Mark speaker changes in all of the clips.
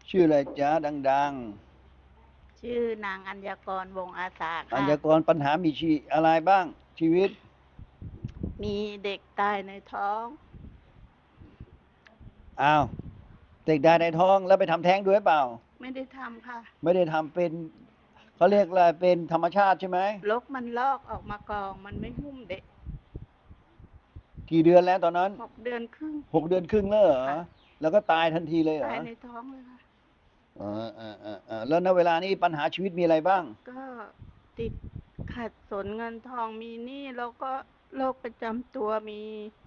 Speaker 1: ชื่ออะไรจ๊ะดัง
Speaker 2: ชื่อนางอัญญากรวงอาสา
Speaker 1: ๆอัญ
Speaker 2: ค่ะ
Speaker 1: ญากรปัญหามีอะไรบ้างชีวิต
Speaker 2: มีเด็กตายในท้อง
Speaker 1: อ้าวเด็กได้ในท้องแล้วไปทำแท้งด้วยเปล่า
Speaker 2: ไม่ได้ทำค่ะ
Speaker 1: ไม่ได้ทำเป็นเขาเรียกอะไรเป็นธรรมชาติใช่ไหม
Speaker 2: ลกมันลอกออกมากองมันไม่หุ้มเด็ก
Speaker 1: กี่เดือนแล้วตอนนั้น
Speaker 2: 6 เดือนครึ่ง
Speaker 1: 6 เดือนครึ่งแล้วเหรอ
Speaker 2: ค่ะ
Speaker 1: แล้วก็ตายทันทีเลยเหรอ
Speaker 2: ตายในท้องเลยค่ะ
Speaker 1: แล้วณเวลานี้ปัญหาชีวิตมีอะไรบ้าง
Speaker 2: ก็ติดขัดสนเงินทองมีหนี้แล้วก็โรคประจำตัวมี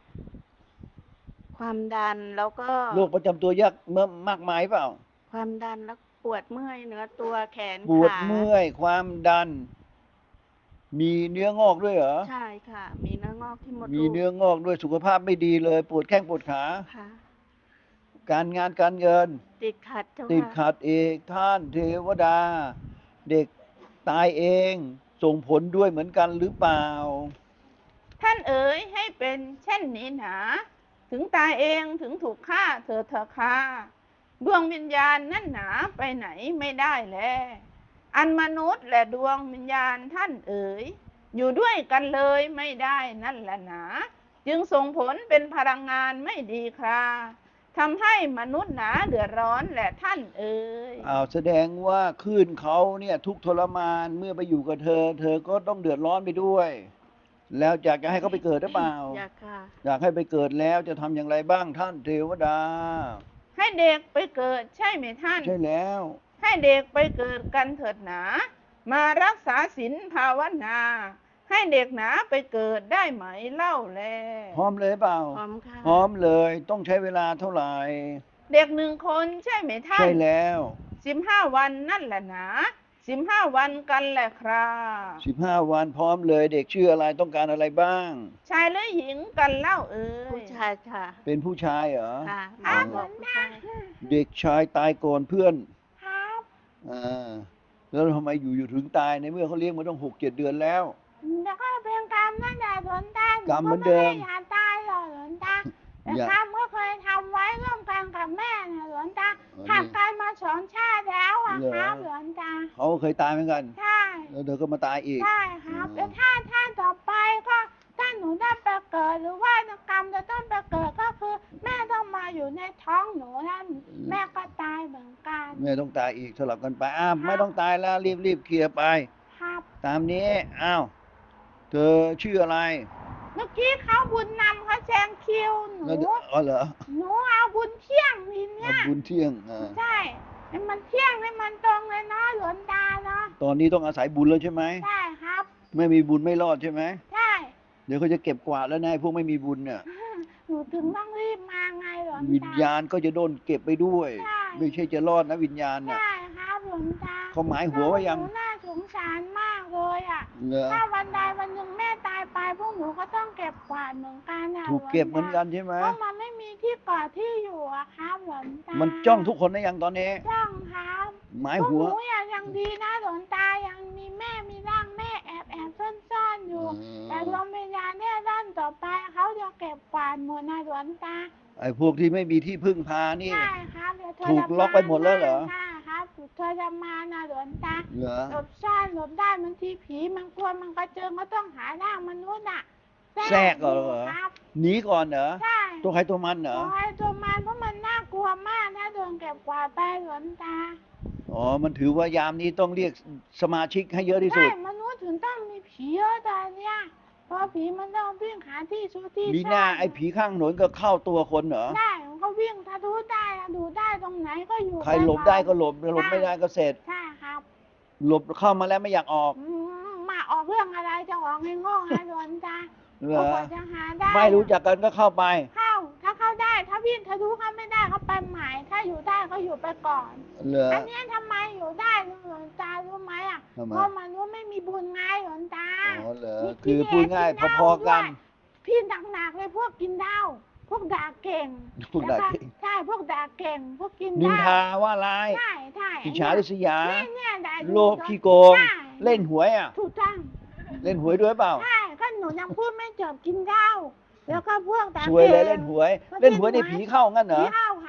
Speaker 2: ความดันแล้วก็
Speaker 1: โรคประจำตัวยากเมื่อมากมายเปล่า
Speaker 2: ความดันแล้วปวดเมื่อยเนื้อตัวแขน
Speaker 1: ปวด
Speaker 2: ขา
Speaker 1: เมื่อยความดันมีเนื้องอกด้วยเหรอ
Speaker 2: ใช่ค่ะมีเนื้องอกที่มด
Speaker 1: มี
Speaker 2: ลูก
Speaker 1: เนื้องอกด้วยสุขภาพไม่ดีเลยปวดแข้งปวดขา
Speaker 2: ค่ะ
Speaker 1: การงานการเงิน
Speaker 2: ติดขัดเจ้า
Speaker 1: ติด
Speaker 2: ค่ะ
Speaker 1: ขัดเอกท่านเทวดาเด็กตายเองส่งผลด้วยเหมือนกันหรือเปล่า
Speaker 2: ท่านเอ๋ยให้เป็นเช่นนี้หนาถึงตายเองถึงถูกฆ่าเถิดเถอะค่ะดวงวิญญาณนั่นหนาไปไหนไม่ได้แลอันมนุษย์และดวงวิญญาณท่านเอ๋ยอยู่ด้วยกันเลยไม่ได้นั่นแหละหนาจึงส่งผลเป็นพลังงานไม่ดีคราทำให้มนุษย์หนาเดือดร้อนแหละท่านเอ๋ย
Speaker 1: แสดงว่าคลื่นเขาเนี่ยทุกข์ทรมานเมื่อไปอยู่กับเธอเธอก็ต้องเดือดร้อนไปด้วยแล้วอยากจะให้เขาไปเกิดหรือเปล่า
Speaker 2: อยากค่ะ
Speaker 1: อยากให้ไปเกิดแล้วจะทำอย่างไรบ้างท่านเทวดา
Speaker 2: ให้เด็กไปเกิดใช่ไหมท่าน
Speaker 1: ใช่แล้ว
Speaker 2: ให้เด็กไปเกิดกันเถิดหนามารักษาศีลภาวนาให้เด็กหนาไปเกิดได้ไหมเล่าแล
Speaker 1: พร้อมเลยเปล่า
Speaker 2: พร้อมค่ะ
Speaker 1: พร้อมเลยต้องใช้เวลาเท่าไหร่
Speaker 2: เด็ก1 คนใช่ไหมท่า
Speaker 1: ใช่
Speaker 2: น
Speaker 1: แล้ว
Speaker 2: 15 วันนั่นแหละหนา15 วันกันแหละครับ
Speaker 1: 15 วันพร้อมเลยเด็กชื่ออะไรต้องการอะไรบ้าง
Speaker 2: ชายหรือหญิงกันเล่าเอ่ยผู้ชายค่ะ
Speaker 1: เป็นผู้ชายเหรอ
Speaker 2: ค่ะหม
Speaker 1: อ๋อ
Speaker 2: อบอกผู้ชาย
Speaker 1: เด็กชายตายก่อนเพื่อน
Speaker 2: ครับ
Speaker 1: อ่าแล้วทำไมอยู่ถึงตายในเมื่อเขาเลี้ยงมาต้อง6-7 เดือนแล้ว
Speaker 2: แล้วก็เป็นกรรมนั่นแหละหลวงตาห
Speaker 1: กรรมเห
Speaker 2: นูก็ไม่
Speaker 1: มือนเดิม
Speaker 2: ได้อยากตายหรอกหลวงตาแต่
Speaker 1: อย่า
Speaker 2: กรรมก็เคยทำไว้ร่วมกันกับแม่นะหลวงตาหัก
Speaker 1: นี่
Speaker 2: กันมา2 ชาติแล้วอะ
Speaker 1: เหรอ
Speaker 2: ครับหลวงตา
Speaker 1: เขาเคยตายเหมือนกัน
Speaker 2: ใช่
Speaker 1: แล้วเธอก็มาตายอีก
Speaker 2: ใช่ครับแล้วถ้าต่อไปก็ถ้าหนูได้ไปเกิดหรือว่ากรรมจะต้องไปเกิดก็คือแม่ต้องมาอยู่ในท้องหนูนั่นแม่ก็ตายเหมือนกัน
Speaker 1: แม่ต้องตายอีกสลับกันไปไม่
Speaker 2: ครับ
Speaker 1: ต้องตายแล้วรีบเคลียร์ไป
Speaker 2: ครับ
Speaker 1: ตามนี้เธอชื่ออะไร
Speaker 2: เมื่อกี้เขาบุญนำเขาแซงคิวหนู
Speaker 1: แล้วอ๋อเหรอ
Speaker 2: หนูเอาบุญเที่ยงทีเนี้ย
Speaker 1: บุญเที่ยง
Speaker 2: ใช่ให้มันเที่ยงให้มันตรงเลยเนาะหลวงตาเนาะ
Speaker 1: ตอนนี้ต้องอาศัยบุญแล้วใช่ไหม
Speaker 2: ใช่ครับ
Speaker 1: ไม่มีบุญไม่รอดใช่ไหม
Speaker 2: ใช่
Speaker 1: เดี๋ยวเขาจะเก็บกวาดแล้วนายพวกไม่มีบุญเนี่ย
Speaker 2: หนูถึงต้องรีบมาไงหลวง
Speaker 1: วิญ
Speaker 2: ตา
Speaker 1: ญาณก็จะโดนเก็บไปด้วย
Speaker 2: ใช่
Speaker 1: ไม่ใช่จะรอดนะวิญญาณน่ะ
Speaker 2: ใช่ครับหลวงตา
Speaker 1: เขาหมายหัวไว้ยัง
Speaker 2: หนูน่าสงสารมากเลยอ่ะ
Speaker 1: เหรอ
Speaker 2: ถ้าวันใดวันหนึ่งแม่ตายไปพวกหนูก็ต้องเก็บกวาดเหมือนกันนะ
Speaker 1: ถูกเก็บเหมือนกันใช่ไหม
Speaker 2: เพราะมันไม่มีที่เกาะที่อยู่อะครับหลวงตา
Speaker 1: มันจ้องทุกคนได้ยังตอนนี้
Speaker 2: จ้องครับ
Speaker 1: หมาย
Speaker 2: พวก
Speaker 1: หัว
Speaker 2: หนูยังดีนะหลวงตายังมีแม่มีร่างแม่แอบซ่อนๆอยู่แต่ดวงวิญญาณเนี่ยด้านต่อไปเขาจะเก็บกวาดหมดนะหลวงตา
Speaker 1: ไอ้พวกที่ไม่มีที่พึ่งพานี่
Speaker 2: ใช่ครับเดี๋ยวเธอ
Speaker 1: ถูกล็อกไปหมดแล้วเหรอ
Speaker 2: ใช่ครับเธอจะมานะหลวงตา
Speaker 1: เหรอ
Speaker 2: หลบซ่อนหลบได้บางทีผีมันกลัวมันกระเจิงก็ต้องหาร่างมนุษย์อ่ะ
Speaker 1: แทรกเหรอ
Speaker 2: ครับ
Speaker 1: หนีก่อนเหรอ
Speaker 2: ใช่
Speaker 1: ตัวใครตัวมันเหรอ
Speaker 2: ตัวใครตัวมันเพราะมันน่ากลัวมากถ้าโดนเก็บกวาดไปหลวงตา
Speaker 1: มันถือว่ายามนี้ต้องเรียกสมาชิกให้เยอะที่สุ
Speaker 2: ใช่
Speaker 1: ด
Speaker 2: มนุษย์ถึงต้องมีผีเยอะตอนเนี้ยเพราะผีมันต้องวิ่งหาที่ชูที่
Speaker 1: มีห
Speaker 2: ซ่อ
Speaker 1: น้าน ไอ้ผีข้างถนนก็เข้าตัวคนเหรอ
Speaker 2: ได้มันก็วิ่งทะลุได้ดูได้ตรงไหนก็อยู่
Speaker 1: ใครหลบได้ก็หลบไม่ได้ก็เสร็จ
Speaker 2: ใช่ครับ
Speaker 1: หลบเข้ามาแล้วไม่อยากออก
Speaker 2: มาออกเรื่องอะไรจะออกให้โง่ให้หลวนตา
Speaker 1: เหรอ
Speaker 2: จะหาได้
Speaker 1: ไม่รู้จักกันก็เข้าไป
Speaker 2: ถ้าเข้าได้ถ้าวิ่งทะลุเข้าไม่ได้ก็ไปใหม่ถ้าอยู่ได้ก็อยู่ไปก่อน
Speaker 1: เหรอ
Speaker 2: อันนี้ทำไมอยู่ได้หลวงตารู้ไหมอ่ะเพราะมนุษย์ไม่มีบุญไงหลวงตา
Speaker 1: เหรอคือพูดง่ายพอๆกัน
Speaker 2: พี่หนักๆเลยพวกกินเหล้าพวกด่าเก่งใช่พวกด่าเก่งพวกกินเหล้า
Speaker 1: นินทาว่าร้าย
Speaker 2: ใช่
Speaker 1: อิจฉาริษยาโลภขี้โกงเล่นหวย
Speaker 2: ถูกต้อง
Speaker 1: เล่นหวยด้วยเปล่า
Speaker 2: ใช่ก็หนูยังพูดไม่จบกินเหล้าแล้วก็พวกด่า
Speaker 1: สวยเลยเล่นหวยในผีเข้างั้นเหรอ
Speaker 2: ผีเข้าครับ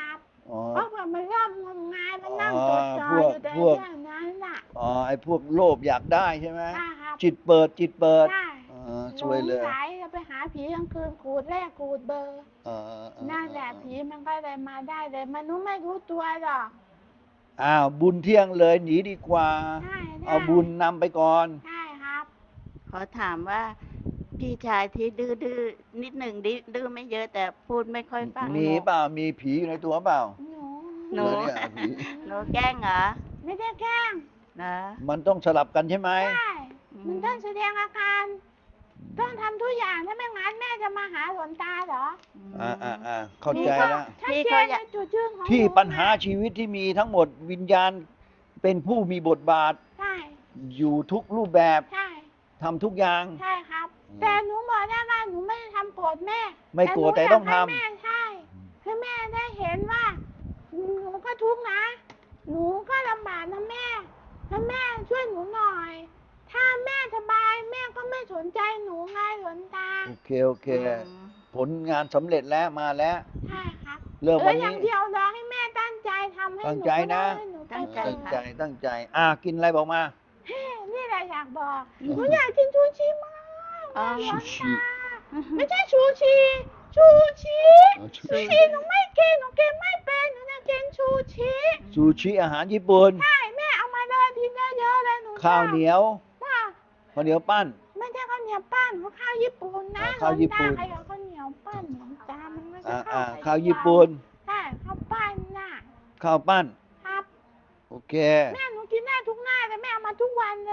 Speaker 1: อ๋อ
Speaker 2: เพราะว่ามันร่ำงมงายมันนั่งจดจ่อ
Speaker 1: พวก
Speaker 2: อยู่แต่
Speaker 1: พวก
Speaker 2: เรื่องนั้นน่ะ
Speaker 1: อ๋อไอ้พวกโลภอยากได้ใช่ไหม
Speaker 2: ใช่ครับ
Speaker 1: จิตเปิดจิตเปิด
Speaker 2: ใช่
Speaker 1: สวยเลย
Speaker 2: หไหลจะไปหาผีกลางคืนขูดแรกขูดเบอร์
Speaker 1: เออ
Speaker 2: นั่นแหละผีมันก็เลยมาได้เลยมนุษย์ไม่รู้ตัวหรอก
Speaker 1: อ้าวบุญเที่ยงเลยหนีดีกว่า
Speaker 2: ใช่
Speaker 1: เอาบุญนำไปก่อน
Speaker 2: ใช่ครับ
Speaker 3: ขอถามว่าพี่ชายที่ดื้อนิดหนึ่งดื้อไม่เยอะแต่พูดไม่ค่อยฟัง
Speaker 1: มีเปล่ามีผีอยู่ในตัวเปล่า
Speaker 3: หนู
Speaker 1: เหรอเนี่ยผี
Speaker 3: หนูแกล้งเหรอ
Speaker 2: ไม่ได้แกล้ง
Speaker 3: นะ
Speaker 1: มันต้องสลับกันใช่ไหม
Speaker 2: ใช่มันต้องแสดงอาการต้องทำทุกอย่างถ้าไม่งั้นแม่จะมาหาหลวงตาเหรอ
Speaker 1: เข้าใจแล้ว
Speaker 2: ชัดเจนในจุดยืนของ
Speaker 1: ที่
Speaker 2: หนู
Speaker 1: ปัญหาชีวิตที่มีทั้งหมดวิญญาณเป็นผู้มีบทบาท
Speaker 2: ใช่
Speaker 1: อยู่ทุกรูปแบบ
Speaker 2: ใช่
Speaker 1: ทำทุกอย่าง
Speaker 2: ใช่ครับ แต่หนูบอกได้ว่าหนูไม่ได้ทำโกรธแม่
Speaker 1: ไม่โกรธแต่ต้องทำ
Speaker 2: หนูยากให้แม่ใช่ให้แม่ได้เห็นว่าหนูก็ทุกข์นะ หนูก็ลำบากนะแม่ถ้าแม่ช่วยหนูหน่อย ถ้าแม่สบายแม่ก็ไม่สนใจหนูไงหลวงตา
Speaker 1: โอเค ผลงานสำเร็จแล้วมาแล้ว
Speaker 2: ใช่ครับ
Speaker 1: เริ่มวัน
Speaker 2: อ
Speaker 1: นี้
Speaker 2: ย่างเดียวรอให้แม่ตั้งใจทำให้ห
Speaker 1: ตั้
Speaker 2: นู
Speaker 1: งใจนะ
Speaker 2: ให้หนูไป
Speaker 3: ตั้งใจ
Speaker 2: เกิด
Speaker 1: ตั้งใจกินอะไรบอกมา
Speaker 2: เฮ้นี่แหละอยากบอกหนูอยากกินชูชีมาก
Speaker 3: อ๋อ
Speaker 2: หลวง
Speaker 1: ชู
Speaker 2: ตา
Speaker 1: ชี
Speaker 2: ไม่ใช่ชูชีชูชี
Speaker 1: ชู
Speaker 2: ชูชีหนูไม่กินหนูกินไม่เป็นหนูจะกินชูชี
Speaker 1: ซูชิอาหารญี่ปุ่น
Speaker 2: ใช่แม่เอามาเลยทีเยอะๆเลยหนูชอบ
Speaker 1: ข้าวเหนียว
Speaker 2: ว่า
Speaker 1: ข้าวเหนียวปั้น
Speaker 2: ไม่ใช่ข้าวเหนียวปั้นหนูข้าวญี่ปุ่นนะ
Speaker 1: ข้าวญี่ปุ่น
Speaker 2: หลวงตาใครเอาข้าวเหนียวปั้นหลวงตามันไม่ใช่
Speaker 1: ข้าวญี่ปุ่น
Speaker 2: ใช่ข้าวปั้นน่ะ
Speaker 1: ข้าวปั้น
Speaker 2: ครับ
Speaker 1: โอเค
Speaker 2: แม่หนูกินได้ทุกหน้าแต่แม่เอามาทุกวันเลย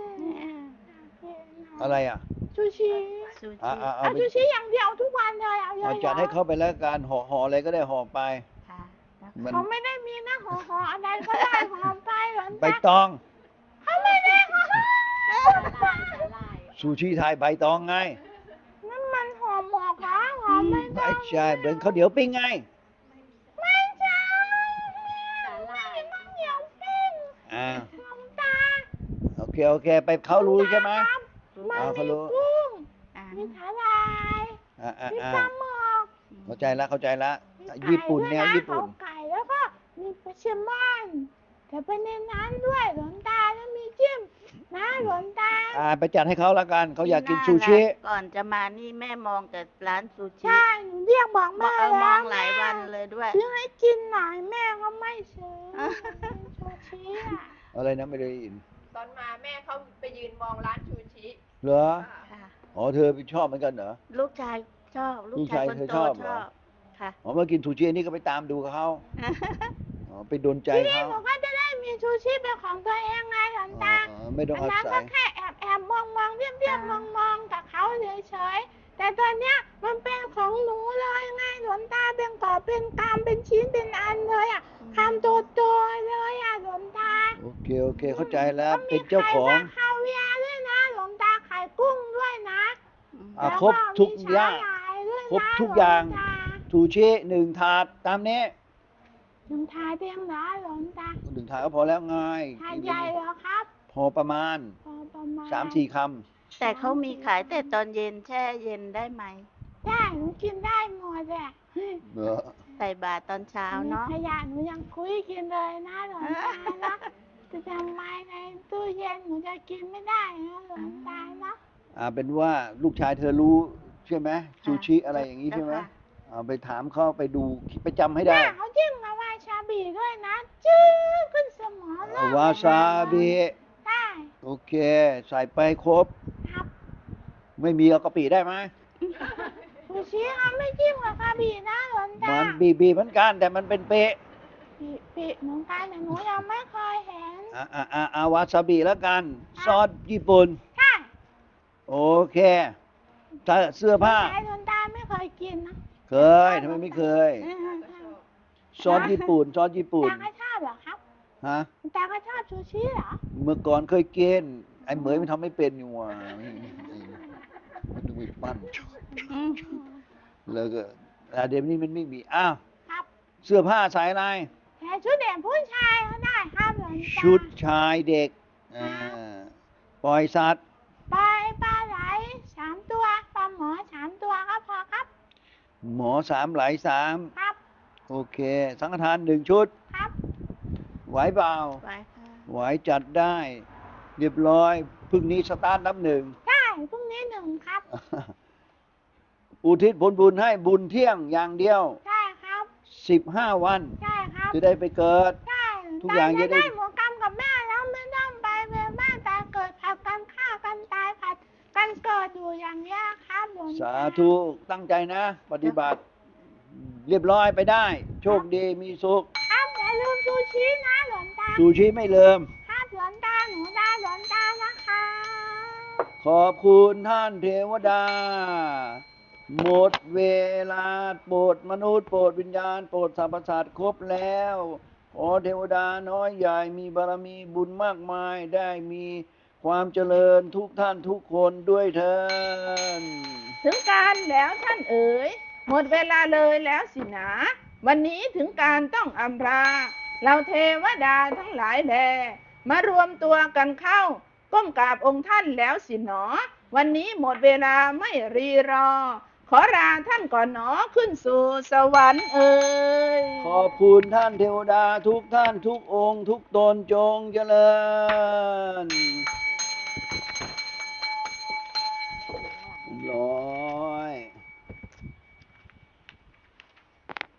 Speaker 1: อะไรอ่ะ
Speaker 2: ชูชี
Speaker 3: ซู
Speaker 1: อ่า
Speaker 3: ชิ
Speaker 1: เอา
Speaker 2: เอา
Speaker 1: ไป
Speaker 2: ชูชีอย่างเดียวทุกวันเลยเอาเย
Speaker 1: เอา
Speaker 2: อะๆ
Speaker 1: จัดให้เขาไปแล้วกันห่ออะไรก็ได้ห่อไป
Speaker 3: ค่ะแล้ว
Speaker 1: มัน
Speaker 2: เขาไม่ได้มีนะห่ออะไรก็ได้ห่อไปหลวง
Speaker 1: ใบ
Speaker 2: ตา
Speaker 1: ตอง
Speaker 2: เขาไม่ได้ห่อ
Speaker 1: ซูชิไทยใบตองไง
Speaker 2: นั่นมันห่อหมกเหรอห่อไม่ได้
Speaker 1: ไม่ใช่เหมือนข้าวเหนียวปิ้งไง
Speaker 2: ไม่ใช่ไม่เห็นข้าวเหนียวปิ้ง
Speaker 1: อ่า
Speaker 2: หลวงตา
Speaker 1: โอเคไปเขารู้ใช่ไหม
Speaker 2: ครับมัน
Speaker 1: เขา
Speaker 2: มี
Speaker 1: รู้
Speaker 2: กุ้ง
Speaker 3: อ่า
Speaker 2: มีสาหร่าย มีปลาหมึก
Speaker 1: เข้าใจแล้ว
Speaker 2: มี
Speaker 1: ญี่ปุ่น
Speaker 2: ไก่
Speaker 1: แน
Speaker 2: ด้
Speaker 1: ว
Speaker 2: วยะ
Speaker 1: ญี่ปุ่น
Speaker 2: เขาไก่แล้วก็มีปลาแซลมอนแต่เป็นในนั้นด้วยหลวงตาแล้วมีจิ้มนะหลวงตา
Speaker 1: ไปจัดให้เขาแล้วกันเขาอยากกินซูชิ
Speaker 3: ก่อนจะมานี่แม่มองแต่ร้านซูชิ
Speaker 2: ใช่หนูเรียกบอก
Speaker 3: ม
Speaker 2: แม่
Speaker 3: อง
Speaker 2: แล้ว
Speaker 3: หลายวันเลยด้วย
Speaker 2: ซื้อให้กินหน่อยแม่ก็ไม่ซื้อชูชีอ่ะ
Speaker 1: อะไรนะไม่ได้ยิน
Speaker 4: ตอนมาแม่เขาไปยืนมองร้านชูชิ
Speaker 1: เหรอ
Speaker 3: ค่ะ
Speaker 1: อ๋อเธอชอบเหมือนกันเหรอ
Speaker 3: ลูกชายชอบ ลูกชายคน
Speaker 1: ลูก
Speaker 3: โต
Speaker 1: ชายเธอชอบ
Speaker 3: ช
Speaker 1: เหรอ
Speaker 3: อบค่ะ
Speaker 1: อ๋อเมื่อกินซูชิอันนี้ก็ไปตามดูกับเขาอ๋อไปโดนใจ
Speaker 2: ทีนี้
Speaker 1: เขา
Speaker 2: หนูก็จะได้มีชูชีเป็นของตัวเองไงหลวงตา
Speaker 1: ไม่ต้อง
Speaker 2: อัน
Speaker 1: อา
Speaker 2: นั้น
Speaker 1: ศั
Speaker 2: ก็
Speaker 1: ย
Speaker 2: แค่แอบมองเรียบมองกับเขาเฉยๆแต่ตอนเนี้ยมันเป็นของหนูเลยไงหลวงตาเป็นกอบเป็นกำเป็นชิ้นเป็นอันเลยอ่ะคำโตๆเลยอ่ะหลวงตา
Speaker 1: โอเคเข้าใจแล้วเป็นเจ้าของ
Speaker 2: มีไข่ปลาคาเวียร์ด้วยนะหลวงตาไข่กุ้งด้วยนะ
Speaker 1: ครบทุกอย่าง
Speaker 2: แล้วมีสาหร่ายด้วยนะ
Speaker 1: ครบทุกอย่าง
Speaker 2: หลวต
Speaker 1: ซูชิ1 ถาดตามนี้
Speaker 2: หลวงตาเตียงเหรอหลวงตา
Speaker 1: 1 ถาดก็พอแล้วไง
Speaker 2: ถาดใหญ่เหรอครับ
Speaker 1: พอประมาณ
Speaker 2: พอประมาณ
Speaker 1: 3-4 ค
Speaker 3: แต่เขามีขายแต่ตอนเย็นแช่เย็นได้ไหม
Speaker 2: ได้หนูกินได้หมดแหละ
Speaker 1: ำเหรอ
Speaker 3: ใส่บาตรตอนเช้าเนาะ
Speaker 2: ขยะหนูยังคุยกินเลยนะหลวงตานะจะทำไมในตู้เย็นหนูจะกินไม่ได้นะหลวงตานะ
Speaker 1: เป็นว่าลูกชายเธอรู้ใช่ไหมซูชิอะไรอย่างนี้ใช่ไหม
Speaker 3: ค่ะ
Speaker 1: ไปถามเขาไปดูไปจำให้ได้
Speaker 2: แม่เขาจิ้มกับวาซาบิด้วยนะจื้อขึ้นสมองเลยว
Speaker 1: าซาบิ
Speaker 2: ได้
Speaker 1: โอเค ใส่ไปครบ
Speaker 2: ครับ
Speaker 1: ไม่มีเอากะปิได้ไหม
Speaker 2: ซูชิเขาไม่จิ้มกับคาบินะหลวงตา
Speaker 1: มันบีเหมือนกันแต่มันเป็นเป๊ะ
Speaker 2: ปิเหมือนกันแต่หนูยังไม่เคยเห็น
Speaker 1: วาซาบิแล้วกัน ซอสญี่ปุ่น
Speaker 2: ใช่
Speaker 1: โอเคเสื้อผ้า
Speaker 2: แต่หลวงตาไม่เคยกินนะ
Speaker 1: เคยทำไมไม่เคย ซอสญี่ปุ่น
Speaker 2: ตาก็ชอบเหรอครับ
Speaker 1: ฮะ
Speaker 2: ตาก็ชอบซูชิเหรอ
Speaker 1: เมื่อก่อนเคยกินไอ้เหมยมันทำไม่เป็นอยู่ว่ะมันต้องมีปั้นแล้วก็เดี๋ยวนี้มันไม่มีอ้าว
Speaker 2: ครับ
Speaker 1: เสื้อผ้าใส่อะไร
Speaker 2: แต่ชุดเด่นผู้ชายก็ได้ครับหลวงตา
Speaker 1: ชุดชายเด็กปล่อยสัตว์
Speaker 2: ไปปลาไหล3 ตัวปลาหมอ3 ตัวก็พอครับ
Speaker 1: หมอ3 ไหล 3
Speaker 2: ครับ
Speaker 1: โอเค สังฆทาน1 ชุด
Speaker 2: ครับ
Speaker 1: ไหวเปล่า
Speaker 3: ไว้ค่ะ
Speaker 1: ไหวจัดได้ เรียบร้อยพรุ่งนี้สตาร์ทนับ 1
Speaker 2: ใช่พรุ่งนี้1 ครับ
Speaker 1: อุทิศผลบุญให้บุญเที่ยงอย่างเดียว
Speaker 2: ใช่ครับ
Speaker 1: 15 วัน
Speaker 2: ใช่ครับ
Speaker 1: จะได้ไปเกิด
Speaker 2: ใช่
Speaker 1: ทุกอย่าง
Speaker 2: จะ
Speaker 1: จะได้
Speaker 2: ได้หมดกรรมกับแม่แล้วไม่ต้องไปเวียนบ้านตายเกิดผัดกันฆ่ากันตายผัดกันเกิดอยู่อย่างนี้ยครับหลวงตา
Speaker 1: สาธุตั้งใจนะ ปฏิบัติ เรียบร้อยไปได้ โชคดีมีสุข
Speaker 2: ครับอย่าลืมซูชินะหลวงตา
Speaker 1: ซูชิไม่เลิม
Speaker 2: ครับหลวงตาหนูได้หลวงตานะคะ
Speaker 1: ขอบคุณท่านเทวดา หมดเวลาโปรดมนุษย์โปรดวิญญาณโปรดสรรพสัตว์ครบแล้ว ขอเทวดาน้อยใหญ่มีบารมีบุญมากมายได้มีความเจริญทุกท่านทุกคนด้วยเถิด
Speaker 2: ถึงการแล้วท่านเอ๋ยหมดเวลาเลยแล้วสินะวันนี้ถึงการต้องอำลาเราเทวดาทั้งหลายแลมารวมตัวกันเข้าก้มกราบองค์ท่านแล้วสิหนอวันนี้หมดเวลาไม่รีรอ ขอลาท่านก่อนหนอขึ้นสู่สวรรค์เอ๋ย
Speaker 1: ขอบคุณท่านเทวดาทุกท่านทุกองค์ทุกตนจงเจริญ